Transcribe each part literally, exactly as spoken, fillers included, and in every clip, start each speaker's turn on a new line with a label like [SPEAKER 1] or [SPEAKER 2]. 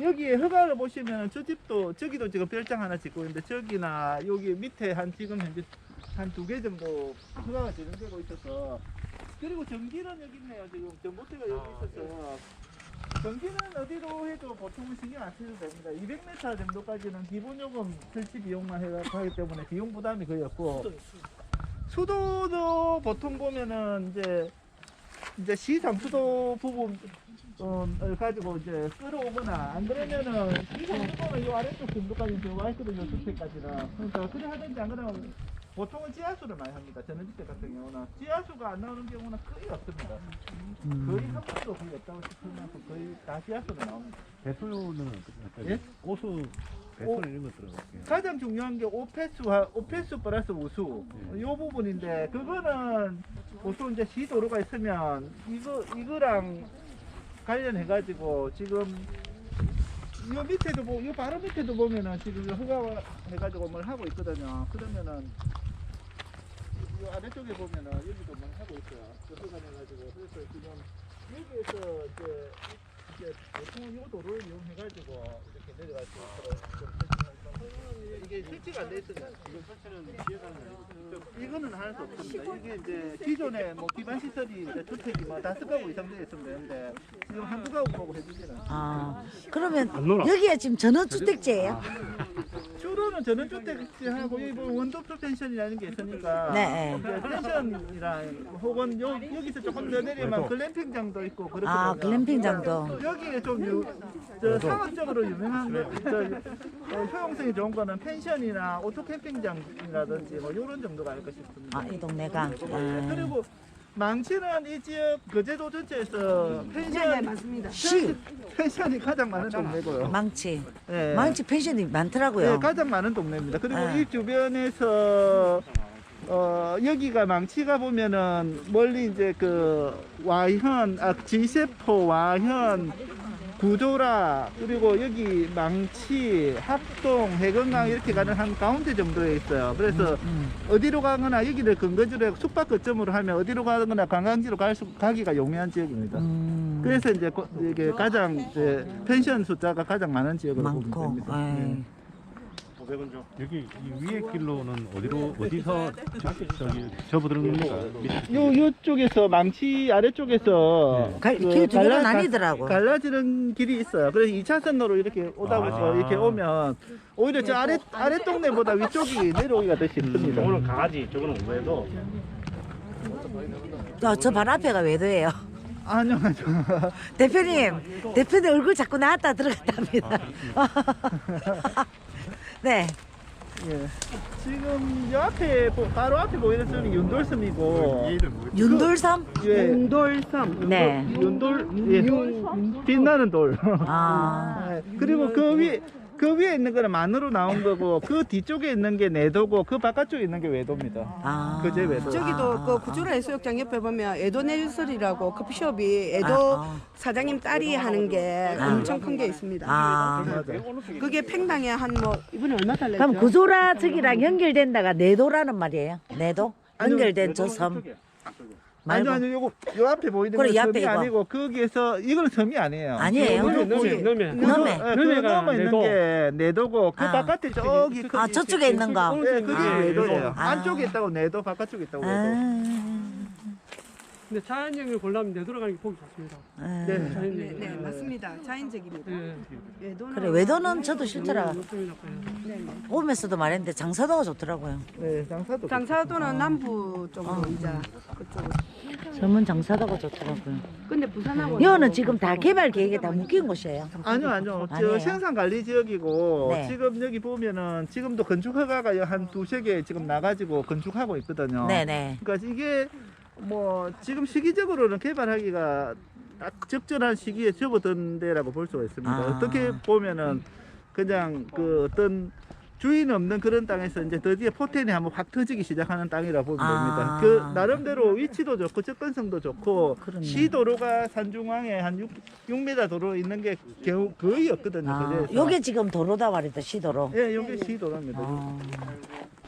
[SPEAKER 1] 여기에 허가를 보시면 저 집도 저기도 지금 별장 하나 짓고 있는데 저기나 여기 밑에 한 지금 현재 한 두 개 정도 허가가 진행되고 있어서 그리고 전기는 여기 있네요. 지금 전봇대가 여기 있어서 전기는 어디로 해도 보통은 신경 안 쓰셔도 됩니다. 이백 미터 정도까지는 기본 요금 설치 비용만 해서 하기 때문에 비용 부담이 거의 없고 수도도 보통 보면은 이제 이제 시상수도 부분 을 가지고 이제 끌어오거나 안 그러면은 시상수도는 이 아래쪽 정도까지 들어와 있거든요. 주택까지는. 그러니까 그래 하든지 안 그러면 보통은 지하수를 많이 합니다. 전원주택 같은 경우는 지하수가 안 나오는 경우는 거의 없습니다.
[SPEAKER 2] 음.
[SPEAKER 1] 거의 한 번도 거의 없다고 싶을 만큼 거의 다 지하수로 나옵니다.
[SPEAKER 2] 배수는
[SPEAKER 1] 예?
[SPEAKER 2] 고수 배수 이런 것 들어갈게요.
[SPEAKER 1] 가장 중요한 게 오폐수와 오폐수 플러스 우수
[SPEAKER 2] 네.
[SPEAKER 1] 이 부분인데 그거는 보통 이제 시도로가 있으면 이거 이거랑 관련해 가지고 지금 이 밑에도 뭐, 이 바로 밑에도 보면은 지금 허가 해가지고 뭘 하고 있거든요. 그러면은 이 아래쪽에 보면은 여기도 뭘 하고 있어요. 허가 해가지고 그래서 지금 여기에서 이제 이제 보통 이 도로를 이용해가지고 이렇게 내려갈 수 있도록 좀 설치하는 이게 설치가 안 돼 있으면 지금 설치는 지역은 이거는 할 수 없습니다. 이게 이제 기존에 뭐 기반 시설이 이제 주택이 뭐 다섯 가구 이상 되어 있으면 되는데 지금 한두 가구 보고 해주지는 않습니다.
[SPEAKER 3] 아, 그러면 여기가 지금 전원주택지예요?
[SPEAKER 1] 주로는 전원주택하고 여기 뭐 원도표 펜션이라는 게 있으니까
[SPEAKER 3] 네.
[SPEAKER 1] 이제 펜션이랑 혹은 요, 여기서 조금 더 내리면 글램핑장도 있고 그렇거든요.
[SPEAKER 3] 아, 글램핑장도.
[SPEAKER 1] 여기에 좀 유, 저 상업적으로 유명한 거, 저, 어, 효용성이 좋은 거는 펜션이나 오토 캠핑장이라든지 뭐 이런 정도가 아닐까 싶습니다.
[SPEAKER 3] 아, 이 동네가.
[SPEAKER 1] 네,
[SPEAKER 3] 아.
[SPEAKER 1] 그리고 망치는 이 지역 거제도 전체에서 펜션
[SPEAKER 4] 맞습니다.
[SPEAKER 3] 시,
[SPEAKER 1] 펜션이 가장 많은 동네고요.
[SPEAKER 3] 망치.
[SPEAKER 1] 네.
[SPEAKER 3] 망치 펜션이 많더라고요.
[SPEAKER 1] 네, 가장 많은 동네입니다. 그리고
[SPEAKER 3] 네.
[SPEAKER 1] 이 주변에서 어, 여기가 망치가 보면은 멀리 이제 그 와현, 아, 지세포, 와현, 구조라 그리고 여기 망치, 합동, 해건강 이렇게 가는 한 가운데 정도에 있어요. 그래서
[SPEAKER 3] 음.
[SPEAKER 1] 어디로 가거나 여기를 근거지로 숙박 거점으로 하면 어디로 가거나 관광지로 갈 수, 가기가 용이한 지역입니다.
[SPEAKER 3] 음.
[SPEAKER 1] 그래서 이제 고- 이게 가장 이제 펜션 숫자가 가장 많은 지역으로 보면
[SPEAKER 3] 많고.
[SPEAKER 1] 됩니다.
[SPEAKER 3] 에이.
[SPEAKER 1] 네.
[SPEAKER 2] 여기 이 위에 길로는 어디로 어디서 저기 접어드는 겁니까?
[SPEAKER 1] 요 요쪽에서 망치 아래쪽에서
[SPEAKER 3] 갈-
[SPEAKER 1] 그
[SPEAKER 3] 길두 개로
[SPEAKER 1] 갈라-
[SPEAKER 3] 나뉘더라고.
[SPEAKER 1] 갈라지는 길이 있어요. 그래서 이 차선로로 이렇게 오다 보니까
[SPEAKER 2] 아.
[SPEAKER 1] 이렇게 오면 오히려 저 아래 아래 동네보다 위쪽이 내려오기가 더 쉽습니다.
[SPEAKER 5] 저거는 강아지, 저거는 외도.
[SPEAKER 3] 저, 저 바로 앞에가 외도예요.
[SPEAKER 1] 아니요, 아니요.
[SPEAKER 3] 대표님, 대표님 얼굴 자꾸 나왔다 들어갔답니다. 네.
[SPEAKER 1] 예. 지금 요 앞에 보- 바로 앞에 보이는 섬이 윤돌섬이고
[SPEAKER 3] 윤돌섬?
[SPEAKER 1] 예.
[SPEAKER 4] 용돌섬.
[SPEAKER 3] 네.
[SPEAKER 1] 윤돌 예. 빛나는 돌.
[SPEAKER 3] 아,
[SPEAKER 1] 네, 그리고 그 위, 그 위에 있는 거는 만으로 나온 거고 그 뒤쪽에 있는 게 내도고 그 바깥쪽에 있는 게 외도입니다.
[SPEAKER 3] 아.
[SPEAKER 1] 그제 외도.
[SPEAKER 4] 저기도
[SPEAKER 3] 아,
[SPEAKER 4] 그
[SPEAKER 3] 아,
[SPEAKER 4] 구조라 해수욕장 옆에 보면 에도 네일설이라고 커피숍이 에도
[SPEAKER 3] 아, 아.
[SPEAKER 4] 사장님 딸이 하는 게
[SPEAKER 3] 아.
[SPEAKER 4] 엄청 큰 게 있습니다.
[SPEAKER 3] 아.
[SPEAKER 4] 그게 팽당에 한 뭐 이번에 얼마 달랬죠?
[SPEAKER 3] 그럼 구조라 저기랑 연결된다가 내도라는 말이에요? 내도?
[SPEAKER 1] 아니요,
[SPEAKER 3] 연결된 저 섬.
[SPEAKER 1] 아니요,
[SPEAKER 3] 말고.
[SPEAKER 1] 아니요, 요거 요 앞에 보이는
[SPEAKER 3] 그래,
[SPEAKER 1] 건
[SPEAKER 3] 이 앞에
[SPEAKER 1] 섬이
[SPEAKER 3] 이거.
[SPEAKER 1] 아니고 거기에서 이건 섬이 아니에요.
[SPEAKER 3] 아니에요?
[SPEAKER 1] 그-
[SPEAKER 5] 넘에,
[SPEAKER 1] 그-
[SPEAKER 5] 넘에.
[SPEAKER 1] 그-
[SPEAKER 3] 넘에.
[SPEAKER 1] 그
[SPEAKER 5] 넘에가
[SPEAKER 1] 넘어 있는
[SPEAKER 5] 내도.
[SPEAKER 1] 게 내도고 그
[SPEAKER 3] 아.
[SPEAKER 1] 바깥에 저기 그-
[SPEAKER 3] 아, 저쪽에 있는 거.
[SPEAKER 1] 네, 그게
[SPEAKER 5] 아,
[SPEAKER 1] 외도예요.
[SPEAKER 3] 아.
[SPEAKER 1] 안쪽에 있다고 내도, 바깥쪽에 있다고 외도.
[SPEAKER 3] 아.
[SPEAKER 6] 근데 자연형을 보려면 내돌아가는 게 보기 좋습니다.
[SPEAKER 3] 아.
[SPEAKER 1] 네.
[SPEAKER 4] 네,
[SPEAKER 6] 자연형.
[SPEAKER 4] 네, 맞습니다. 자연적입니다.
[SPEAKER 6] 예.
[SPEAKER 4] 에도는
[SPEAKER 3] 그래, 외도는 저도 싫더라.
[SPEAKER 6] 좋습니다. 예.
[SPEAKER 4] 네, 네.
[SPEAKER 3] 오면서도 말했는데 장사도가 좋더라고요.
[SPEAKER 1] 네, 장사도.
[SPEAKER 4] 장사도는 남부 쪽으로 이제 그쪽으로.
[SPEAKER 3] 섬은 장사도가 좋더라고요.
[SPEAKER 4] 근데 부산하고
[SPEAKER 3] 이거는 지금 다 개발 계획에 다 묶인 곳이에요.
[SPEAKER 1] 아니요, 아니요.
[SPEAKER 3] 아니에요?
[SPEAKER 1] 저 생산 관리 지역이고
[SPEAKER 3] 네.
[SPEAKER 1] 지금 여기 보면은 지금도 건축 허가가 한 두세 개 지금 나가지고 건축하고 있거든요.
[SPEAKER 3] 네네.
[SPEAKER 1] 그러니까 이게 뭐 지금 시기적으로는 개발하기가 딱 적절한 시기에 접어든 데라고 볼 수가 있습니다.
[SPEAKER 3] 아.
[SPEAKER 1] 어떻게 보면은 그냥 그 어떤 주인 없는 그런 땅에서 이제 드디어 포텐이 한번 확 터지기 시작하는 땅이라 보면
[SPEAKER 3] 아.
[SPEAKER 1] 됩니다. 그 나름대로 위치도 좋고 접근성도 좋고
[SPEAKER 3] 그렇네.
[SPEAKER 1] 시도로가 산중앙에 한 육 미터 도로 있는 게 겨우 거의 없거든요.
[SPEAKER 3] 아,
[SPEAKER 1] 그래서.
[SPEAKER 3] 요게 지금 도로다 말이다, 시도로.
[SPEAKER 1] 예, 요게 시도로입니다.
[SPEAKER 3] 아.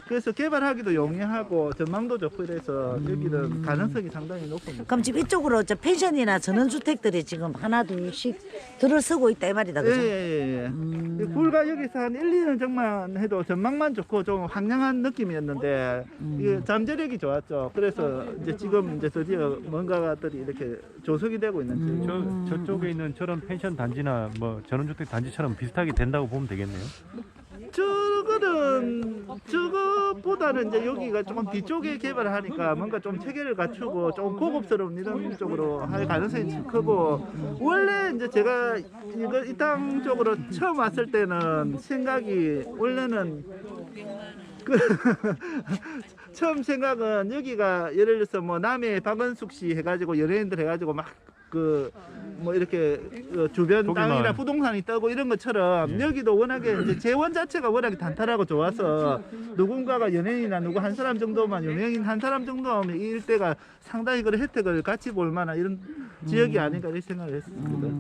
[SPEAKER 1] 그래서 개발하기도 용이하고 전망도 좋고 이래서 여기는 가능성이 상당히 높습니다.
[SPEAKER 3] 그럼 지금 이쪽으로 저 펜션이나 전원주택들이 지금 하나 둘씩 들어서고 있다 이 말이다 그죠?
[SPEAKER 1] 예예예. 예. 불과 여기서 한 일, 이 년 전만 해도 전망만 좋고 좀 황량한 느낌이었는데 이게 잠재력이 좋았죠. 그래서 이제 지금 이제 드디어 뭔가들이 이렇게 조성이 되고 있는지.
[SPEAKER 2] 저 저쪽에 있는 저런 펜션 단지나 뭐 전원주택 단지처럼 비슷하게 된다고 보면 되겠네요.
[SPEAKER 1] 저거는 저거보다는 이제 여기가 조금 뒤쪽에 개발을 하니까 뭔가 좀 체계를 갖추고 좀 고급스러운 이런 쪽으로 할 가능성이 크고 원래 이제 제가 이거 이 땅 쪽으로 처음 왔을 때는 생각이 원래는 그 처음 생각은 여기가 예를 들어서 뭐 남해 박은숙 씨 해가지고 연예인들 해가지고 막 그 뭐 이렇게 어, 주변
[SPEAKER 2] 거기만.
[SPEAKER 1] 땅이나 부동산이 떠고 이런 것처럼
[SPEAKER 2] 예.
[SPEAKER 1] 여기도 워낙에 이제 재원 자체가 워낙에 단단하고 좋아서 누군가가 연예인이나 누구 한 사람 정도만 유명인 한 사람 정도면 이 일대가 상당히 그런 혜택을 같이 볼 만한 이런 지역이 아닌가 이런 생각을 했습니다.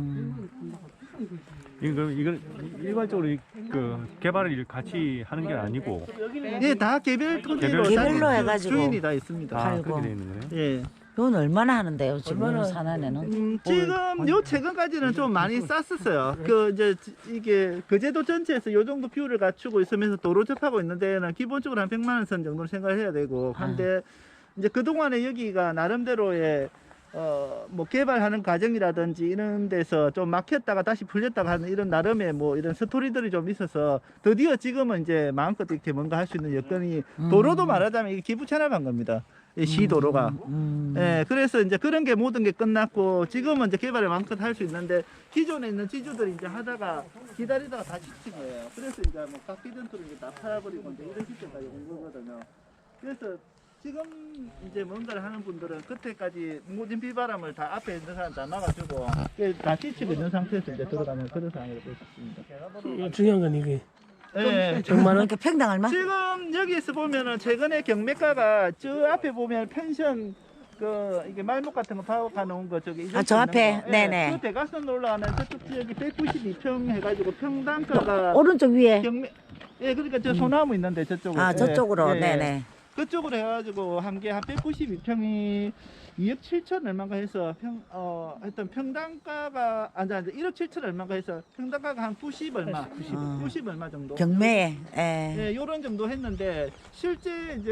[SPEAKER 2] 이건 이건 일반적으로 이- 그 개발을 같이 하는 게 아니고
[SPEAKER 1] 예, 다 개별 토지로
[SPEAKER 2] 개별-
[SPEAKER 3] 개별로
[SPEAKER 1] 다
[SPEAKER 3] 해가지고.
[SPEAKER 1] 주인이 다 있습니다.
[SPEAKER 2] 아
[SPEAKER 3] 아이고.
[SPEAKER 2] 그렇게 돼 있는 거예요.
[SPEAKER 1] 예.
[SPEAKER 3] 이건 얼마나 하는데요 지금 산안에는?
[SPEAKER 1] 음, 지금 요 최근까지는 좀 많이 쌌었어요. 그 이제 지- 이게 거제도 전체에서 요 정도 비율을 갖추고 있으면서 도로 접하고 있는 데는 기본적으로 한 백만 원 선 정도는 생각을 해야 되고 한데 이제 그 동안에 여기가 나름대로의 어 뭐 개발하는 과정이라든지 이런 데서 좀 막혔다가 다시 풀렸다가 하는 이런 나름의 뭐 이런 스토리들이 좀 있어서 드디어 지금은 이제 마음껏 이렇게 뭔가 할 수 있는 여건이 도로도 말하자면 이게 기부 체납한 겁니다. 이 시도로가.
[SPEAKER 3] 음.
[SPEAKER 1] 예, 그래서 이제 그런 게 모든 게 끝났고 지금은 이제 개발을 마음껏 할 수 있는데 기존에 있는 지주들이 이제 하다가 기다리다가 다 지친 거예요. 그래서 이제 뭐 깎이던트로 이제 다 팔아버리고 이제 이런 시점까지 온 거거든요. 그래서 지금 이제 뭔가를 하는 분들은 그때까지 모든 비바람을 다 앞에 있는 사람 다 막아주고 그게 다 지치고 있는 상태에서 이제 들어가는 그런 상황이 될 수 있습니다.
[SPEAKER 6] 이거 중요한 건 이게
[SPEAKER 1] 예.
[SPEAKER 6] 정말은
[SPEAKER 3] 그러니까 평당 얼마?
[SPEAKER 1] 지금 여기에서 보면은 최근에 경매가가 저 앞에 보면 펜션 그 이게 말목 같은 거 파악해 놓은 거 저기
[SPEAKER 3] 아, 저 앞에?
[SPEAKER 1] 예,
[SPEAKER 3] 네네.
[SPEAKER 1] 그 대각선으로 올라가는 저쪽 지역이 백구십이 평 해가지고 평당가가
[SPEAKER 3] 오른쪽 위에.
[SPEAKER 1] 경매 예 그러니까 저 소나무 있는데 저쪽으로
[SPEAKER 3] 아
[SPEAKER 1] 예,
[SPEAKER 3] 저쪽으로.
[SPEAKER 1] 예,
[SPEAKER 3] 네네.
[SPEAKER 1] 그쪽으로 해가지고 한 개 한 백구십이 평이 이억 칠천 얼마인가 해서 평 어 하여튼 평당가가 아니 아니 일억 칠천 얼마인가 해서 평당가가 한 구십 얼마 구십,
[SPEAKER 3] 아.
[SPEAKER 1] 구십 얼마 정도
[SPEAKER 3] 경매에. 예.
[SPEAKER 1] 예, 요런 정도 했는데 실제 이제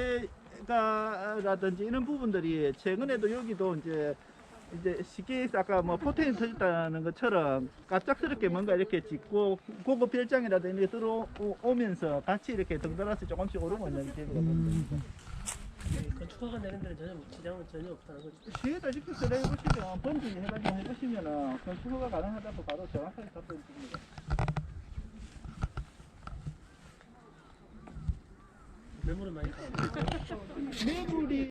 [SPEAKER 1] 거래가라든지 이런 부분들이 최근에도 여기도 이제 이제 쉽게 얘기해서 아까 뭐 포텐이 터졌다는 것처럼 갑작스럽게 뭔가 이렇게 짓고 고급 별장이라든지 이렇게 들어오면서 같이 이렇게 덩달아서 조금씩 오르고 있는 지역이거든요.
[SPEAKER 6] 건축허가 내는 데는 전혀 지장은 전혀 없다는 거죠.
[SPEAKER 1] 시에다 이렇게 그래 해보시면 번지 해가지고 해보시면은 건축허가 가능하다고 바로 정확하게 답변 드립니다.
[SPEAKER 6] 매물은 많이 가.
[SPEAKER 1] 매물이